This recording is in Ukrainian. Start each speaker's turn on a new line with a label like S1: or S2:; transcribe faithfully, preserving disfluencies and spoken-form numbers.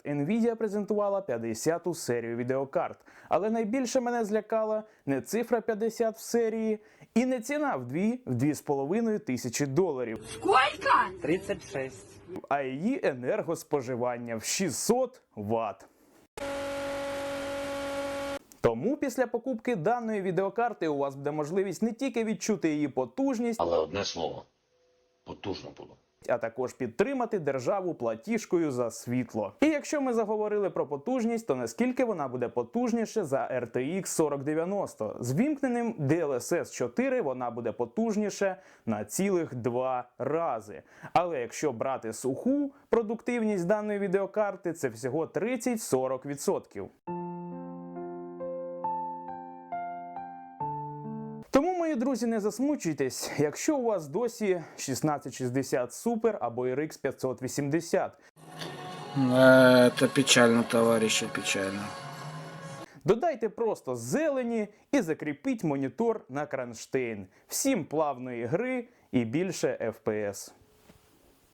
S1: Nvidia презентувала п'ятдесяту серію відеокарт. Але найбільше мене злякала не цифра п'ятдесят в серії і не ціна в дві-дві з половиною тисячі доларів.
S2: Сколько?
S3: тридцать шесть.
S1: А її енергоспоживання в шістсот ватт. Тому після покупки даної відеокарти у вас буде можливість не тільки відчути її потужність,
S4: Але одне слово – потужно було.
S1: а також підтримати державу платіжкою за світло. І якщо ми заговорили про потужність, то наскільки вона буде потужніше за ар те ікс сорок дев'яносто? З вімкненим ді ел ес ес чотири вона буде потужніше на цілих два рази. Але якщо брати суху продуктивність даної відеокарти, це всього тридцять-сорок відсотків. Тому, мої друзі, не засмучуйтесь, якщо у вас досі шістнадцять шістдесят Super або ар ікс п'ятсот вісімдесят.
S5: Это печально, товарищи, печально.
S1: Додайте просто зелені і закріпіть монітор на кронштейн. Всім плавної гри і більше еф пі ес.